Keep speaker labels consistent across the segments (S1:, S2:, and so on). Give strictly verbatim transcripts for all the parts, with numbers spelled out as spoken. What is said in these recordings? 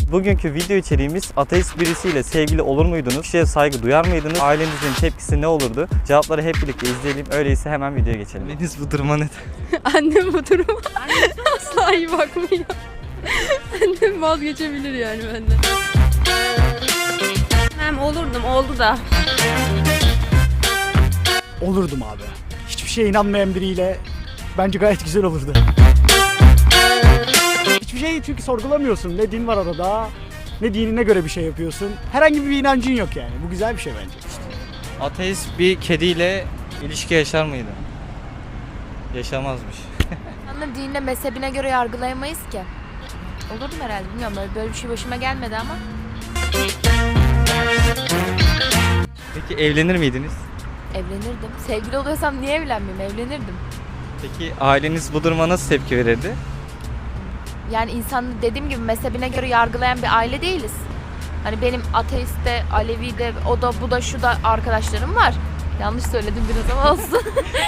S1: Bugünkü video içeriğimiz ateist birisiyle sevgili olur muydunuz? Kişiye saygı duyar mıydınız? Ailenizin tepkisi ne olurdu? Cevapları hep birlikte izleyelim. Öyleyse hemen videoya geçelim. Anneniz bu duruma ne?
S2: Annem bu duruma asla iyi bakmıyor. Annem vazgeçebilir yani benden. Hem olurdum, oldu da.
S3: Olurdum abi. Hiçbir şeye inanmayan biriyle bence gayet güzel olurdu. Hiçbir şeyi çünkü sorgulamıyorsun. Ne din var arada, ne dinine göre bir şey yapıyorsun. Herhangi bir inancın yok yani. Bu güzel bir şey bence.
S1: Ateist bir kediyle ilişki yaşar mıydı? Yaşamazmış.
S4: İnsanları dinine, mezhebine göre yargılayamayız ki. Olurdum herhalde, bilmiyorum, böyle, böyle bir şey başıma gelmedi ama.
S1: Peki evlenir miydiniz?
S4: Evlenirdim. Sevgili oluyorsam niye evlenmeyeyim? Evlenirdim.
S1: Peki aileniz bu duruma nasıl tepki verirdi?
S4: Yani insan, dediğim gibi, mezhebine göre yargılayan bir aile değiliz. Hani benim ateiste, Alevi'de, o da bu da şu da arkadaşlarım var. Yanlış söyledim biraz ama olsun.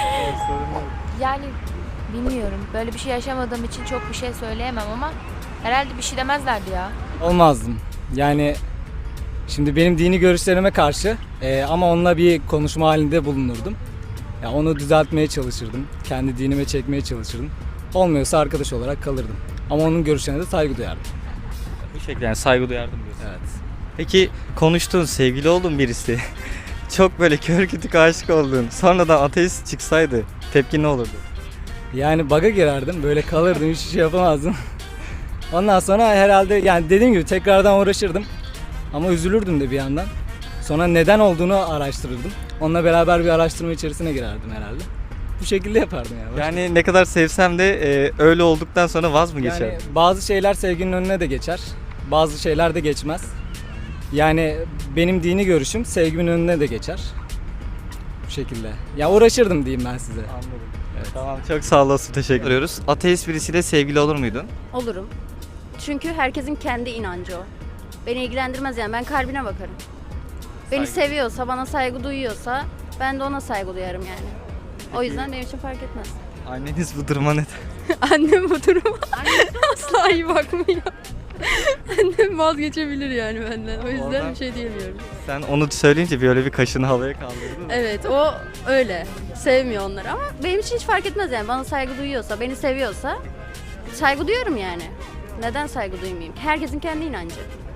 S4: Yani bilmiyorum. Böyle bir şey yaşamadığım için çok bir şey söyleyemem ama herhalde bir şey demezlerdi ya.
S5: Olmazdım. Yani şimdi benim dini görüşlerime karşı e, ama onunla bir konuşma halinde bulunurdum. Ya onu düzeltmeye çalışırdım. Kendi dinime çekmeye çalışırdım. Olmuyorsa arkadaş olarak kalırdım. Ama onun görüşlerine de saygı duyardım.
S1: Bu şekilde yani saygı duyardım diyorsun.
S5: Evet.
S1: Peki konuştuğun, sevgili olduğun birisi çok böyle kör kütük aşık olduğun, sonradan ateist çıksaydı tepkin ne olurdu?
S5: Yani bug'a girerdim. Böyle kalırdım. Hiçbir şey yapamazdım. Ondan sonra herhalde yani dediğim gibi tekrardan uğraşırdım. Ama üzülürdüm de bir yandan. Sonra neden olduğunu araştırırdım. Onunla beraber bir araştırma içerisine girerdim herhalde. Bu şekilde yapardım yani.
S1: Yani ne kadar sevsem de e, öyle olduktan sonra vaz mı geçer?
S5: Yani bazı şeyler sevginin önüne de geçer. Bazı şeyler de geçmez. Yani benim dini görüşüm sevgimin önüne de geçer. Bu şekilde. Ya uğraşırdım diyeyim ben size.
S1: Anladım. Evet. Tamam, çok sağ olasın, teşekkür ediyoruz. Ateist birisiyle sevgili olur muydun?
S2: Olurum. Çünkü herkesin kendi inancı o. Beni ilgilendirmez yani, ben kalbine bakarım. Beni
S1: Saygı.
S2: seviyorsa, bana saygı duyuyorsa ben de ona saygı duyarım yani. O yüzden benim için fark etmez.
S1: Anneniz bu duruma ne?
S2: Annem bu duruma asla iyi bakmıyor. Annem vazgeçebilir yani benden. O yüzden
S1: Oradan-
S2: bir şey diyemiyorum.
S1: Sen onu söyleyince böyle bir kaşını havaya kaldırdın.
S2: Evet, o öyle. Sevmiyor onları ama benim için hiç fark etmez yani. Bana saygı duyuyorsa, beni seviyorsa saygı duyuyorum yani. Neden saygı duymayayım? Herkesin kendi inancı.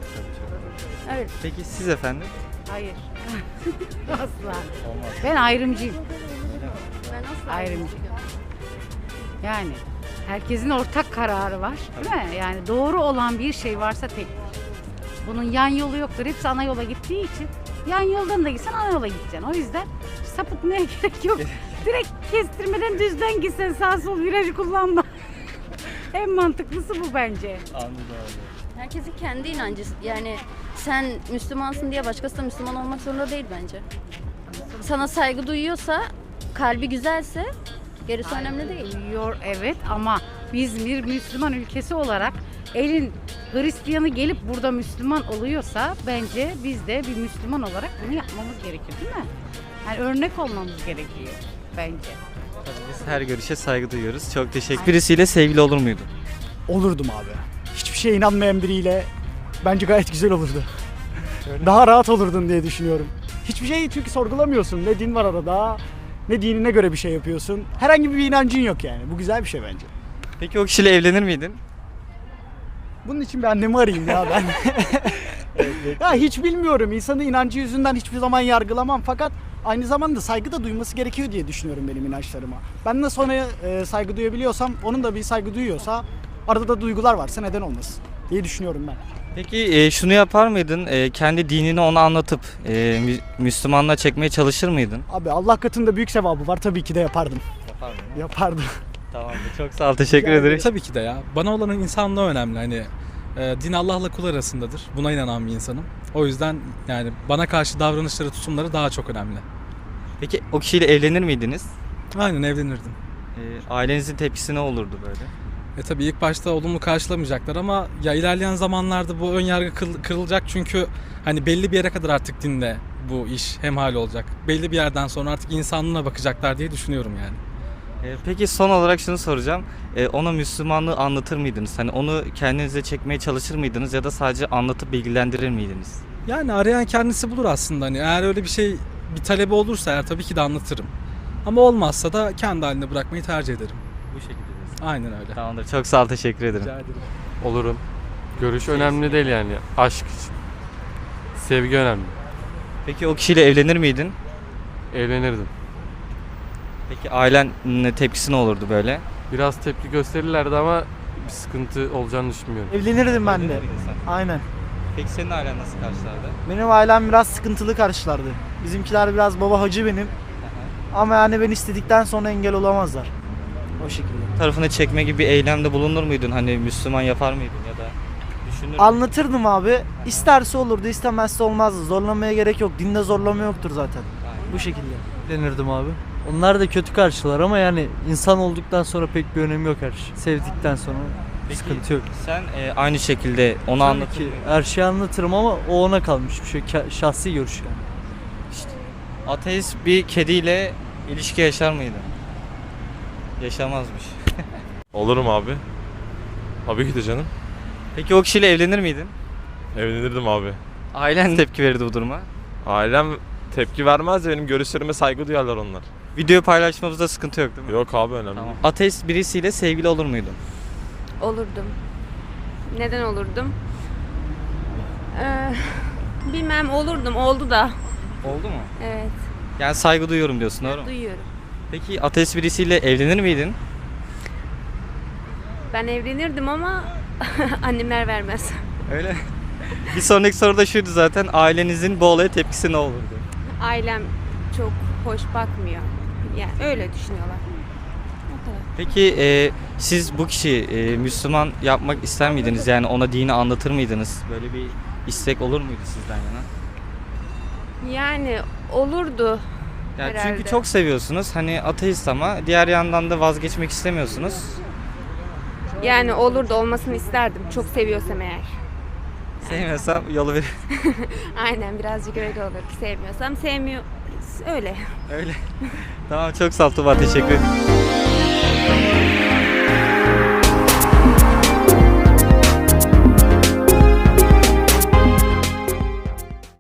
S2: Evet.
S1: Peki siz efendim?
S6: Hayır. Asla.
S1: Olmaz.
S6: Ben ayrımcıyım.
S2: Ben asla
S6: Ayrımcı. Yani herkesin ortak kararı var, değil mi? Yani doğru olan bir şey varsa tek. Bunun yan yolu yoktur. Hepsi ana yola gittiği için yan yoldan da gitsen ana yola gideceksin. O yüzden sapıtmaya gerek yok. Direkt kestirmeden düzden gitsen, sağ sol virajı kullanma. En mantıklısı bu bence.
S1: Anladım abi.
S2: Herkesin kendi inancı. Yani sen Müslümansın diye başkası da Müslüman olmak zorunda değil bence. Sana saygı duyuyorsa, kalbi güzelse gerisi önemli değil.
S6: Yor, evet, ama biz bir Müslüman ülkesi olarak elin Hristiyanı gelip burada Müslüman oluyorsa bence biz de bir Müslüman olarak bunu yapmamız gerekir, değil mi? Yani örnek olmamız gerekiyor bence.
S1: Tabii biz her görüşe saygı duyuyoruz. Çok teşekkür. Birisiyle sevgili olur muydun?
S3: Olurdum abi. Hiçbir şeye inanmayan biriyle bence gayet güzel olurdu. Daha rahat olurdun diye düşünüyorum. Hiçbir şeyi çünkü sorgulamıyorsun. Ne din var arada, ne dinine göre bir şey yapıyorsun. Herhangi bir inancın yok yani. Bu güzel bir şey bence.
S1: Peki o kişiyle evlenir miydin?
S3: Bunun için bir annemi arayayım ya ben. Ya hiç bilmiyorum. İnsanın inancı yüzünden hiçbir zaman yargılamam. Fakat aynı zamanda saygı da duyması gerekiyor diye düşünüyorum benim inançlarıma. Ben de sonra e, saygı duyabiliyorsam, onun da bir saygı duyuyorsa, arada da duygular varsa neden olmasın diye düşünüyorum ben.
S1: Peki e, şunu yapar mıydın? E, kendi dinini ona anlatıp e, Mü- Müslümanlığa çekmeye çalışır mıydın?
S3: Abi Allah katında büyük sevabı var. Tabii ki de yapardım.
S1: Yapardım.
S3: Yapardım.
S1: Tamamdır. Çok sağ ol. Teşekkür
S3: Rica
S1: ederim.
S7: Tabii ki de ya. Bana olan insanlığı önemli. Hani e, din Allah'la kul arasındadır. Buna inanan bir insanım. O yüzden yani bana karşı davranışları, tutumları daha çok önemli.
S1: Peki o kişiyle evlenir miydiniz?
S7: Aynen evlenirdim.
S1: E, ailenizin tepkisi ne olurdu böyle?
S7: E tabii ilk başta olumlu karşılamayacaklar ama ya ilerleyen zamanlarda bu ön yargı kıl- kırılacak çünkü hani belli bir yere kadar artık dinde bu iş hemhal olacak. Belli bir yerden sonra artık insanlığına bakacaklar diye düşünüyorum yani.
S1: Ee, peki son olarak şunu soracağım. Ee, ona Müslümanlığı anlatır mıydınız? Hani onu kendinize çekmeye çalışır mıydınız ya da sadece anlatıp bilgilendirir miydiniz?
S7: Yani arayan kendisi bulur aslında. Hani eğer öyle bir şey bir talebi olursa eğer tabii ki de anlatırım. Ama olmazsa da kendi haline bırakmayı tercih ederim.
S1: Bu şekilde diyorsun.
S7: Aynen öyle.
S1: Tamamdır. Çok sağ ol. Teşekkür ederim.
S7: Rica ederim.
S8: Olurum. Görüş önemli değil yani. Aşk için. Sevgi önemli.
S1: Peki o kişiyle evlenir miydin?
S8: Evlenirdim.
S1: Peki ailen ne tepkisi ne olurdu böyle?
S8: Biraz tepki gösterirlerdi ama bir sıkıntı olacağını düşünmüyorum.
S9: Evlenirdim ben de.
S1: Evlenir miydin sen?
S9: Aynen.
S1: Peki senin ailen nasıl karşılardı?
S9: Benim ailem biraz sıkıntılı karşılardı. Bizimkiler biraz baba hacı benim. Ama yani ben istedikten sonra engel olamazlar. O şekilde.
S1: Tarafını çekme gibi bir eylemde bulunur muydun? Hani Müslüman yapar mıydın ya da düşünür müydün?
S9: Anlatırdım abi. İsterse olurdu, istemezse olmazdı. Zorlamaya gerek yok. Dinde zorlama yoktur zaten. Bu şekilde.
S10: Evlenirdim abi. Onlar da kötü karşılar ama yani insan olduktan sonra pek bir önemi yok her şey. Sevdikten sonra
S1: Peki,
S10: sıkıntı yok.
S1: Sen e, aynı şekilde onu
S10: Tabii
S1: anlatır
S10: ki
S1: mıydın?
S10: her şeyi anlatırım ama o ona kalmış bir şey. Ke- Şahsi görüş yani.
S1: Ateist bir kediyle ilişki yaşar mıydı? Yaşamazmış.
S11: Olurum abi. Tabii ki de canım.
S1: Peki o kişiyle evlenir miydin?
S11: Evlenirdim abi.
S1: Ailen tepki verirdi bu duruma.
S11: Ailem tepki vermez de benim görüşlerime saygı duyarlar onlar.
S1: Video paylaşmamızda sıkıntı yok değil mi?
S11: Yok abi önemli.
S1: Tamam. Ateist birisiyle sevgili olur muydun?
S12: Olurdum. Neden olurdum? Ee, bilmem olurdum. Oldu da.
S1: Oldu mu?
S12: Evet.
S1: Yani saygı duyuyorum diyorsun doğru mu?
S12: Duyuyorum.
S1: Peki ateist birisiyle evlenir miydin?
S12: Ben evlenirdim ama annemler vermez.
S1: Öyle. Bir sonraki soru da şuydu zaten. Ailenizin bu olaya tepkisi ne olurdu?
S12: Ailem çok hoş bakmıyor. Yani öyle düşünüyorlar. O kadar.
S1: Peki e, siz bu kişiyi e, Müslüman yapmak ister miydiniz? Yani ona dini anlatır mıydınız? Böyle bir istek olur muydu sizden yana?
S12: Yani olurdu.
S1: Yani
S12: Herhalde.
S1: çünkü çok seviyorsunuz. Hani ateist ama diğer yandan da vazgeçmek istemiyorsunuz.
S12: Yani olurdu, olmasını isterdim. Çok seviyorsam eğer.
S1: Sevmiyorsam yolu verir.
S12: Aynen birazcık öyle olur. Sevmiyorsam sevmiyor. Öyle.
S1: Öyle. Tamam çok sağ ol Tuba. Teşekkür ederim.